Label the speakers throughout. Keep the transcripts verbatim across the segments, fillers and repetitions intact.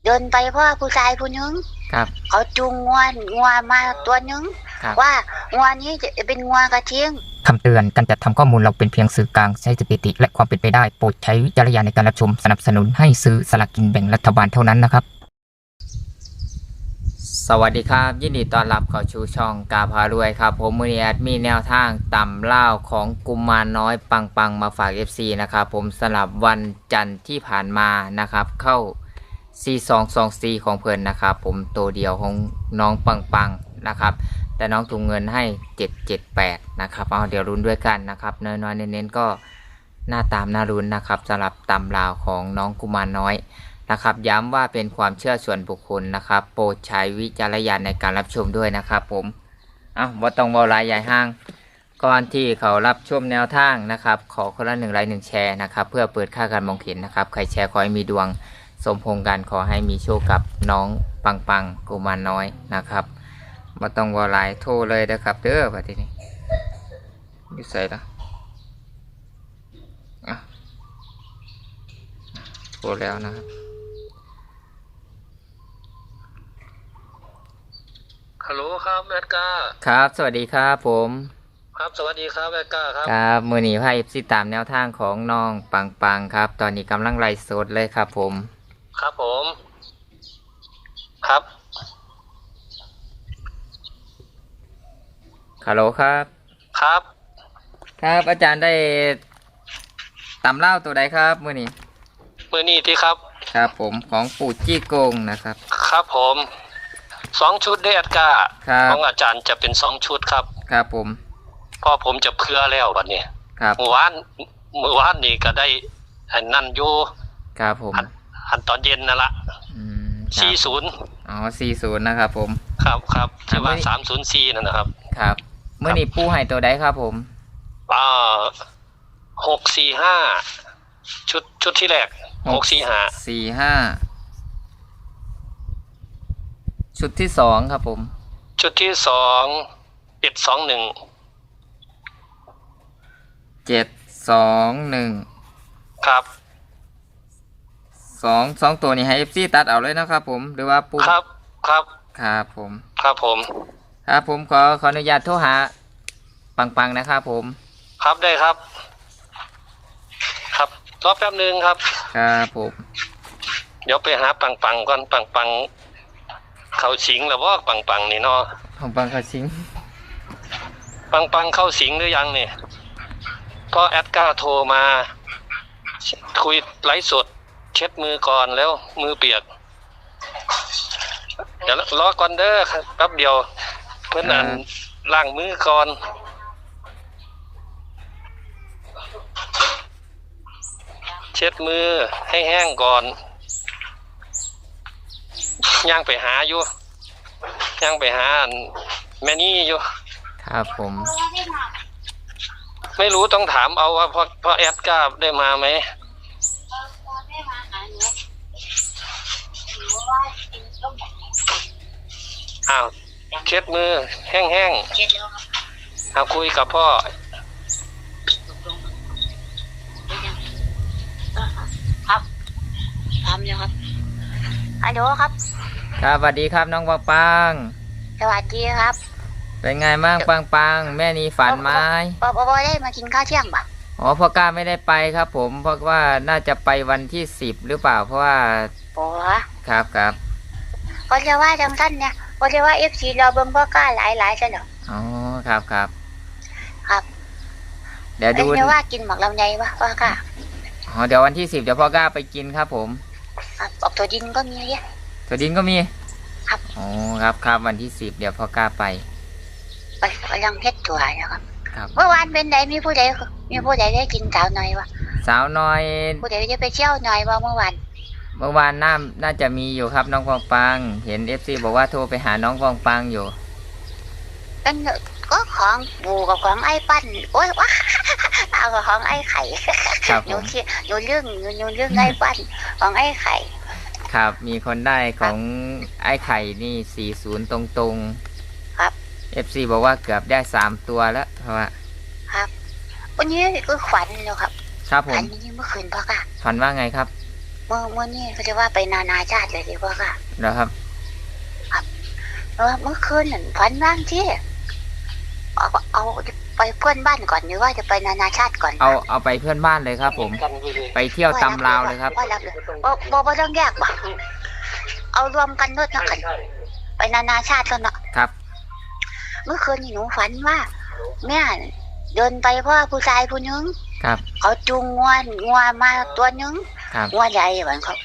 Speaker 1: ดินไปเพราะผู้ชายผู้นึง
Speaker 2: ครับ
Speaker 1: เขาจูงงัวงัวมาตัวนึงว่างัวนี้จะเป็นงัวกระทิง
Speaker 2: คำเตือนการจัดทำข้อมูลเราเป็นเพียงสื่อกลางใช้สถิติและความเป็นไปได้โปรดใช้วิจารณญาณในการรับชมสนับสนุนให้ซื้อสลากกินแบ่งรัฐบาลเท่านั้นนะครับสวัสดีครับยินดีต้อนรับเข้าสู่ช่องกาพารวยครับผมมือนี้แอดมีแนวทางต่ำเล่าของกุมารน้อยปังปังมาฝาก เอฟ ซี นะครับผมสำหรับวันจันทร์ที่ผ่านมานะครับเข้า สี่สองสองสี่ ของเพิ่นนะครับผมตัวเดียวของน้องปังปังนะครับแต่น้องถุงเงินให้เจ็ดเจ็ดแปดนะครับเอาเดี๋ยวรุ้นด้วยกันนะครับน้อยๆเน้นๆก็หน้าตามหน้ารุ้นนะครับสำหรับตำราวของน้องกุมารน้อยนะครับย้ำว่าเป็นความเชื่อส่วนบุคคลนะครับโปรดใช้วิจารณญาณในการรับชมด้วยนะครับผมเอาว่าต้องบอลายใหญ่ห้างก่อนที่เขารับชมแนวทางนะครับขอคนละหนึ่งไลค์หนึ่งแชร์นะครับเพื่อเปิดค่าการมองเห็นนะครับใครแชร์ขอให้มีดวงสมพงษ์กันขอให้มีโชคกับน้องปังปังกุมารน้อยนะครับมาต้องวอลายโทรเลยนะครับเด้อแบบนี้อยู่ใส่ละอ่ะโทรแล้วนะครับ
Speaker 3: ฮัลโหลครับแอดก้า
Speaker 2: ครับสวัสดีครับผม
Speaker 3: ครับสวัสดีครับแอดก้าครับ
Speaker 2: ครับมือหนีไพ่ซีตามแนวทางของน้องปังปังครับตอนนี้กำลังไล่สดเลยครับผม
Speaker 3: ครับผมครับ
Speaker 2: ฮัลโหลครับ
Speaker 3: ครับ
Speaker 2: ครับอาจารย์ได้ตำเล่าตัวใดครับมือนี้
Speaker 3: มือนี้ที่ครับ
Speaker 2: ครับผมของปู่จี้โกงนะครับ
Speaker 3: ครับผมสองชุดได้แอดก้าของอาจารย์จะเป็นสองชุดครับ
Speaker 2: ครับผม
Speaker 3: พอผมจะเพื่อแล้ววันนี้
Speaker 2: ครับ
Speaker 3: เมื่อวานเมื่อวานนี่ก็ได้อันนั่นอยู่
Speaker 2: ครับผม
Speaker 3: อันตอนเย็นนั่นละสี่ศูนย์
Speaker 2: อ๋อสี่ศูนย์นะครับผม
Speaker 3: ครับครับที่ว่าสามศูนย์สี่นั่นนะครับ
Speaker 2: ครับเมื่อนี้ปูให้ตัวใดครับผม
Speaker 3: อ่าหกสี่ห้าชุดชุดที่แรกหกสี่ห้า
Speaker 2: สี่ห้าชุดที่สองครับผม
Speaker 3: ชุดที่สองเจ็ดสองหนึ่ง
Speaker 2: เจ็ดสองหนึ่ง
Speaker 3: ครับ
Speaker 2: สองสองตัวนี้ให้เอฟซีตัดเอาเลยนะครับผมหรือว่าปู
Speaker 3: ครับครับ
Speaker 2: ครับผม
Speaker 3: ครับผม
Speaker 2: ครับผมขอขออนุญาตโทรหาปังปังนะครับผม
Speaker 3: ครับได้ครับครับรอแป๊บนึงครับ
Speaker 2: ครับผม
Speaker 3: เดี๋ยวไปหาปังปังก่อนปังปังเขาสิงหรือว่าปังปังนี่เนาะ
Speaker 2: ปังปังเขาสิง
Speaker 3: ปังปังเข้าสิงหรือยังเนี่ยพอแอดก้าโทรมาคุยไลฟ์สดเช็ดมือก่อนแล้วมือเปียกเดี๋ยวรอก่อนเด้อครับแป๊บเดียวเพื่อนอันล้างมือก่อนเช็ดมือให้แห้งก่อนย่างไปหาอยู่ย่างไปหาแม่นี่อยู่
Speaker 2: ครับผม
Speaker 3: ไม่รู้ต้องถามเอาว่าพอพอแอดก้าได้มาไหมอ้าวเช็ดมือแห้งๆเอาคุยกับพ่อ
Speaker 1: ครับทำยังครับฮัลโหลครับ
Speaker 2: ครับสวัสดีครับน้องปังปัง
Speaker 1: สวัสดีครับ
Speaker 2: เป็นไงบ้างปังปังแม่นีฝันไหม
Speaker 1: ปอปอได้มากินข้าวเที่ยงป่ะ
Speaker 2: อ๋อพ่อกล้าไม่ได้ไปครับผมเพราะว่าน่าจะไปวันที่สิบหรือเปล่าเพราะว่า
Speaker 1: โอ้
Speaker 2: ครับครับ
Speaker 1: ก็จะว่าจังสั้นเนี่ยก็จะว่าเอฟซีเราเบิ่งพ่อกล้าหลายหลายใช่หรอ
Speaker 2: อ๋อครับครับ
Speaker 1: ครับ
Speaker 2: เดี๋ยวดู
Speaker 1: จะว่ากินหมักลำไยป่ะพ่อกล้า
Speaker 2: อ๋อเดี๋ยววันที่สิบเดี๋ยวพ่อกล้าไปกินครับผม
Speaker 1: ครับออกตัวดินก็มีเยอะ
Speaker 2: ตัวดินก็มี
Speaker 1: ครับ
Speaker 2: อ๋อครับครับวันที่สิบเดี๋ยวพ่อกล้าไป
Speaker 1: ไปกำลังเฮ็ดตัวนะครับเมื่อวานเป็นไหนมีผู้ใดมีผู้ใดได้กินสาวน้อยวะ
Speaker 2: สาวน้อย
Speaker 1: ผู้ใดจะไปเที่ยวน้อยว่าเมื่อวาน
Speaker 2: เมื่อวานน่าน่าจะมีอยู่ครับน้องฟองปังเห็นเอฟซีบอกว่าโทรไปหาน้องฟองปังอยู่
Speaker 1: กันก็ของบูกับของไอ้ปั้นโอ้ยว้าเอาของไอ้ไข่หนูคิดหนูเรื่องหนูเรื่องไอ้ปั้นของไอ้ไข่
Speaker 2: ครับมีคนได้ของไอ้ไข่นี่สี่ศูนย์ตรงตรง
Speaker 1: ครับ
Speaker 2: เอฟซีบอกว่าเกือบได้สามตัวแล้วเพราะว่า
Speaker 1: ครับวันนี้ก็ฝันแล้วครับ
Speaker 2: ครับผม
Speaker 1: ฝันนี้เมื่อคืนพ่อค่ะ
Speaker 2: ฝันว่าไงครับ
Speaker 1: เมื่อเมื่อนี่เขาจะว่าไปนานาชาติเลยดีกว่าค่ะ
Speaker 2: แล้วครับ
Speaker 1: เออเมื่อคืนนั่นฝันบ้างที่เอาเอาไปเพื่อนบ้านก่อนหรือว่าจะไปนานาชาติก่อน
Speaker 2: เอาเอาไปเพื่อนบ้านเลยครับผม
Speaker 3: กันไปเลย
Speaker 2: ไปเที่ยวตำลาวเลยครับ
Speaker 1: ว่ารับเลยบ่บ่บ่ต้องแยกบ่เอารวมกันด้วยนะกัน
Speaker 3: ใช่
Speaker 1: ไปนานาชาติแล้วเนาะ
Speaker 2: ครับ
Speaker 1: เมื่อคืนนี่หนูฝันว่าแม่เดินไปเพราะว่าผู้ชายผู้หนึง
Speaker 2: ครับ
Speaker 1: เขาจูงงัวงัวมาตัวหนึง
Speaker 2: ครับ
Speaker 1: งัวใหญ่เหมือนเขา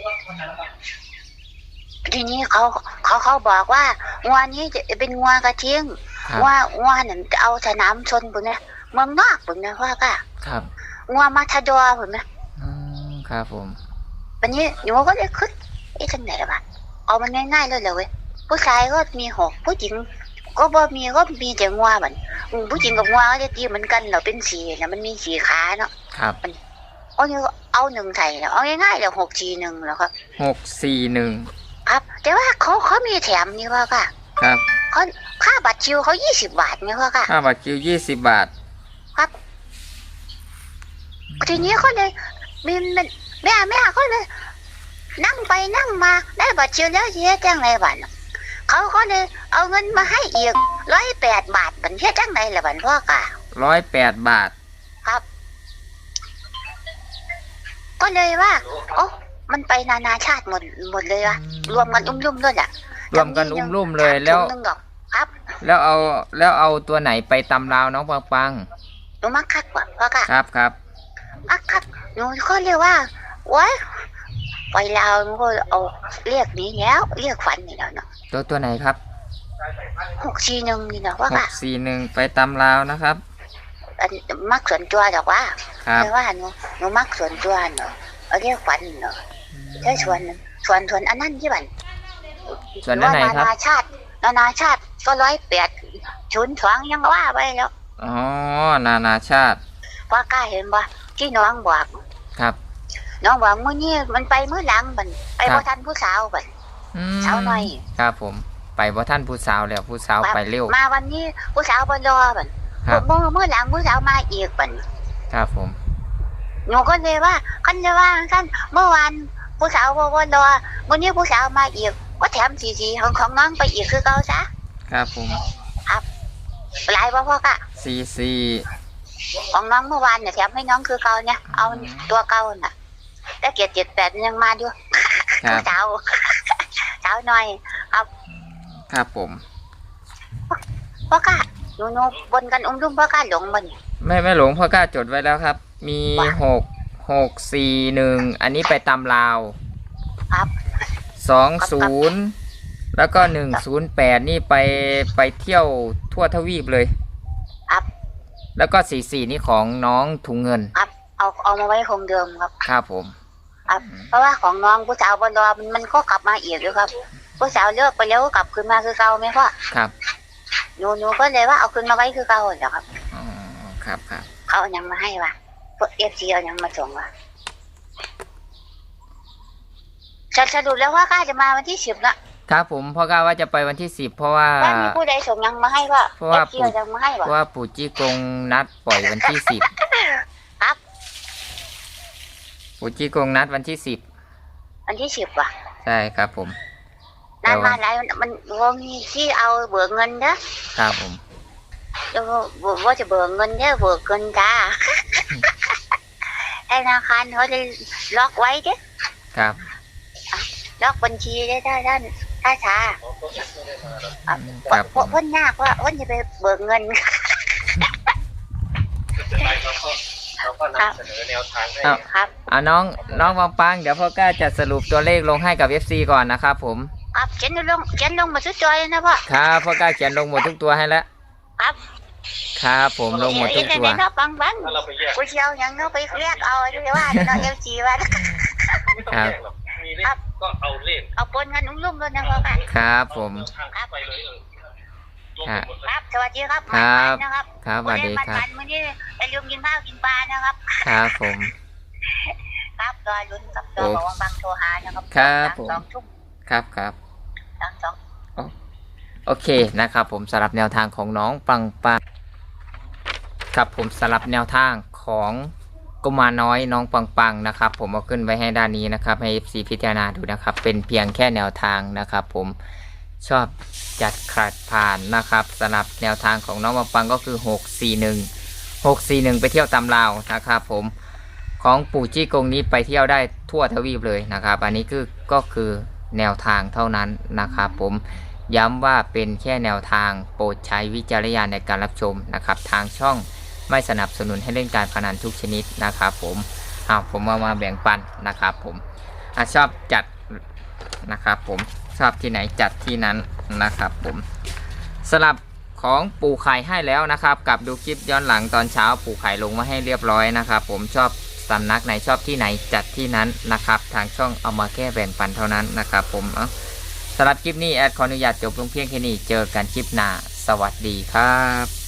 Speaker 1: ทีนี้เขาเขาเขาบอกว่างัวนี้จะเป็นงัวกระเทียง
Speaker 2: ครับ
Speaker 1: งัวงัวนั่นจะเอาสนามชนปุ่นนะเมืองนอกปุ่นนะว่าก็
Speaker 2: ครับ
Speaker 1: งัวมาทาดอร์ปุ่นนะ
Speaker 2: อืมครับผม
Speaker 1: วันนี้หนูก็เลยคิดไอ้ทังไหนวะเอามันง่ายๆเลยเลยเว้ยผู้ชายก็มีหกผู้หญิงก็บ่มีก็มีแต่งัวเหมือนอืมผู้หญิงกับงัวก็จะตีเหมือนกันเหราเป็นสีนะมันมีสีขาเนาะ
Speaker 2: ครับ
Speaker 1: เอาเนี่ยเอาหนึ่งใส่แล้วเอาง่ายๆเลยหกสีหนึ่งแล้วครับ
Speaker 2: หกสี่หนึ่ง
Speaker 1: ครับ แต่ว่าเขาเขามีแถมนี่ว่าก็
Speaker 2: ครับ
Speaker 1: เขาค่าบัตรคิวเขายี่สิบบาทนี่ว่าก็
Speaker 2: ค่าบัตรคิวยี่สิบบาท
Speaker 1: ครับทีนี้เขาเลยมีมันแม่แม่เขาเลย นั่งไปนั่งมาได้บัตรคิวแล้วเยอะจังไรบ้านเขาก็เลยเอาเงินมาให้อีกร้อยแปดบาทบันเทียจังไรละบันพ่อกะ
Speaker 2: ร้อยแปดบาท
Speaker 1: ครับ ก็เลยว่าโอ้มันไปนานาชาติหมดหมดเลยวะรวมกันอุ้มลุ่มด้วยอ่ะ
Speaker 2: รวมกันอุ้มลุ่มเลยแล้ว
Speaker 1: ถุงหนึ่งดอกครับ
Speaker 2: แล้วเอาแล้วเอาตัวไหนไปตำลาวน้องปังปัง
Speaker 1: หนูมักคักกว่าพ่อกะ
Speaker 2: ครับครับ
Speaker 1: มักคักหนูก็เรียกว่าว้ายไปลาวหนูก็เอาเรียกนี้แล้วเรียกฝันนี่แล้วเนาะ
Speaker 2: ตัวตัวไหนครับ
Speaker 1: หกสี่หนึ่งนี่เนาะว่า
Speaker 2: ห
Speaker 1: กะ
Speaker 2: กสี่หนึ่งไปตำลาวนะครับ
Speaker 1: อันมักส่วนตัวดอกว่า
Speaker 2: ครับ
Speaker 1: แต่ว่าหนูหนูมักส่วนตัวเนาะเอาเรียกฝันเนาะใช่ส่วนหนึ่งส่วนส่วนอันนั้นที่บัน
Speaker 2: ส่วนอันไหนครับ
Speaker 1: นานาชาตินานาชาติก็ร้อยแปดชุนสองยังว่าไปแล้ว
Speaker 2: อ๋อนานาชาติ
Speaker 1: ว่ากล้าเห็นบ่ที่น้องบอก
Speaker 2: ครับ
Speaker 1: น้องบอกมื้อนี้มันไปมื้อหลังบันไป
Speaker 2: ครับ
Speaker 1: บ่ทันผู้สาวบัน
Speaker 2: อืม
Speaker 1: เช้าหน่อย
Speaker 2: ครับผมไปบ่ท่านผู้สาวแล้วผู้สาวไปเร็ว
Speaker 1: มาวันนี้ผู้สาวบ่รอบัน
Speaker 2: ครับ
Speaker 1: เมื่อเมื่อหลังผู้สาวมาอีกบัน
Speaker 2: ครับผม
Speaker 1: หนูก็เลยว่าคันเลยว่าท่านเมื่อวานผู้สาวบ่บ่รอมื้อนี้ผู้สาวมาอีกก็แถมสีๆของของน้องไปอีกคือเก่าซะ
Speaker 2: ครับผม
Speaker 1: หลายบ่พ่อกะ
Speaker 2: สี่สี่
Speaker 1: ของน้องเมื่อวานเนี่ยแถมให้น้องคือเก่าเนี่ยเอาตัวเก่าน่ะแต่เกียรติเจ็ดแปดยังมาด้วย
Speaker 2: ครับ
Speaker 1: สาวสาวหน่อย
Speaker 2: ครับผม
Speaker 1: พ่อกะหนูหนูบนกันอุ้มลุ่มพ่อกะหลงมัน
Speaker 2: ไม่ไม่หลงพ่อกล้าจดไว้แล้วครับ มี
Speaker 1: ว่า
Speaker 2: หกหกสี่หนึ่งอันนี้ไปตำลาว
Speaker 1: ครับ
Speaker 2: สองศูนย์แล้วก็หนึ่งศูนย์แปดนี่ไปไปเที่ยวทั่วทวีปเลย
Speaker 1: ครับ
Speaker 2: แล้วก็สี่สี่นี่ของน้องถุงเงิน
Speaker 1: ครับเอาเอามาไว้คงเดิมครับ
Speaker 2: ครับผม
Speaker 1: ครับ เพราะว่าของน้องผู้สาวบนรอมันมันก็กลับมาอีกด้วยครับผู้สาวเลิกไปแล้วก็กลับคืนมาคือเก่าไหมพ่อ
Speaker 2: ครับ
Speaker 1: หนูหนูก็เลยว่าเอาคืนมาไว้คือเก่าเหรอครับ
Speaker 2: อ๋อครับครับ
Speaker 1: เขาเอายังมาให้วะพวกเอฟซีเอายังมาส่งวะสรุปแล้วว่ากล้าจะมาวันที่สิบนะครับ
Speaker 2: ผมพ่อกล้าว่าจะไปวันที่สิบเพราะว่า
Speaker 1: ว่ามีผู้ใดส่งยังมาให้ว่า
Speaker 2: เพราะ
Speaker 1: เอ
Speaker 2: ว่า
Speaker 1: ฟซีเอายังมาให้
Speaker 2: เพ
Speaker 1: วะ
Speaker 2: ราะว่าปู่จี้กงนัดปล่อยวันที่สิบ
Speaker 1: ครับ
Speaker 2: ปู่จี้กงนัดวันที่สิบ
Speaker 1: วันที่สิบว่ะ
Speaker 2: ใช่ครับผม
Speaker 1: นานมาหลายมันมันวงที่เอาเบิกเงินนะครับ
Speaker 2: ผม
Speaker 1: แล้วว่าจะเบิกเงินเนี่ยเบิกเงินจ้า ธนาคารเขาจะล็อกไว้เด้
Speaker 2: ครับ
Speaker 1: ล็อกบัญชีได้ถ้าท่านถ้าช้า
Speaker 2: ครับผม
Speaker 1: พ้นยากว่าพ้นจะไปเบิกเงิน
Speaker 3: เราก็นำเสนอแนวทางให้
Speaker 2: อ้าว
Speaker 1: ครับ
Speaker 2: อ่ะน้องน้องปังปังเดี๋ยวพ่อกล้าจะสรุปตัวเลขลงให้กับ เอฟ ซี ก่อนนะครับผม
Speaker 1: ครับเขียนลงเขียนลงมาสุดจอยนะพ่อ
Speaker 2: ครับพ่อกล้าเขียนลงหมดทุกตัวให้แล้ว
Speaker 1: ครับ
Speaker 2: ครับผมลงหมดทุกตัว
Speaker 1: เนาะบังบัง
Speaker 3: ถ้าเราไปแยก
Speaker 1: กูเชียวยังเนาะไปเรียกเอาด้วยว่าเนาะเอฟซีว่า
Speaker 3: ไม่ต้องแยกหรอกมีเลขก็เอาเลข
Speaker 1: เอาปนกันอุ้มลุ่มเลยนะพ่อค่ะ
Speaker 2: ครับผม
Speaker 3: ทางไปเลยเออรวม
Speaker 2: ครั
Speaker 3: ไป
Speaker 2: บ
Speaker 3: หมดเลย
Speaker 1: ครับสวัสดีครับ
Speaker 2: ครับ
Speaker 1: มันๆนะครับ
Speaker 2: ครับสวัสดีครับ
Speaker 1: มันๆมื้อนี้อย่าลืมกินข้าวกินปลานะครับ
Speaker 2: ครับผม
Speaker 1: ครับรอลุ้นกับตัวบอกว่าบางโทรหานะครับ
Speaker 2: ครับผม
Speaker 1: สองทุ่ม
Speaker 2: ครับครับ
Speaker 1: สองสอง
Speaker 2: โอเคนะครับผมสำหรับแนวทางของน้องปังปังครับผมสำหรับแนวทางของกุมารน้อยน้องปังปังนะครับผมเอาขึ้นไว้ให้ด้านนี้นะครับให้ เอฟ ซี พิจารณาดูนะครับเป็นเพียงแค่แนวทางนะครับผมชอบจัดขัดผ่านนะครับสำหรับแนวทางของน้องปังปังก็คือหกสี่หนึ่ง หกสี่หนึ่งไปเที่ยวตำลาวนะครับผมของปู่จี้กงนี้ไปเที่ยวได้ทั่วทวีปเลยนะครับอันนี้คือก็คือแนวทางเท่านั้นนะครับผมย้ำว่าเป็นแค่แนวทางโปรดใช้วิจารณญาณในการรับชมนะครับทางช่องไม่สนับสนุนให้เล่นการพนันทุกชนิดนะครับผมเอาผมเอามาแบ่งปันนะครับผมอ่ะชอบจัดนะครับผมชอบที่ไหนจัดที่นั้นนะครับผมสลับของปู่ไข่ให้แล้วนะครับกับดูคลิปย้อนหลังตอนเช้าปู่ไข่ลงมาให้เรียบร้อยนะครับผมชอบสำนักไหนชอบที่ไหนจัดที่นั้นนะครับทางช่องเอามาแค่แบ่งปันเท่านั้นนะครับผมเอาสำหรับคลิปนี้แอดขออนุญาตจบลงเพียงแค่นี้เจอกันคลิปหน้าสวัสดีครับ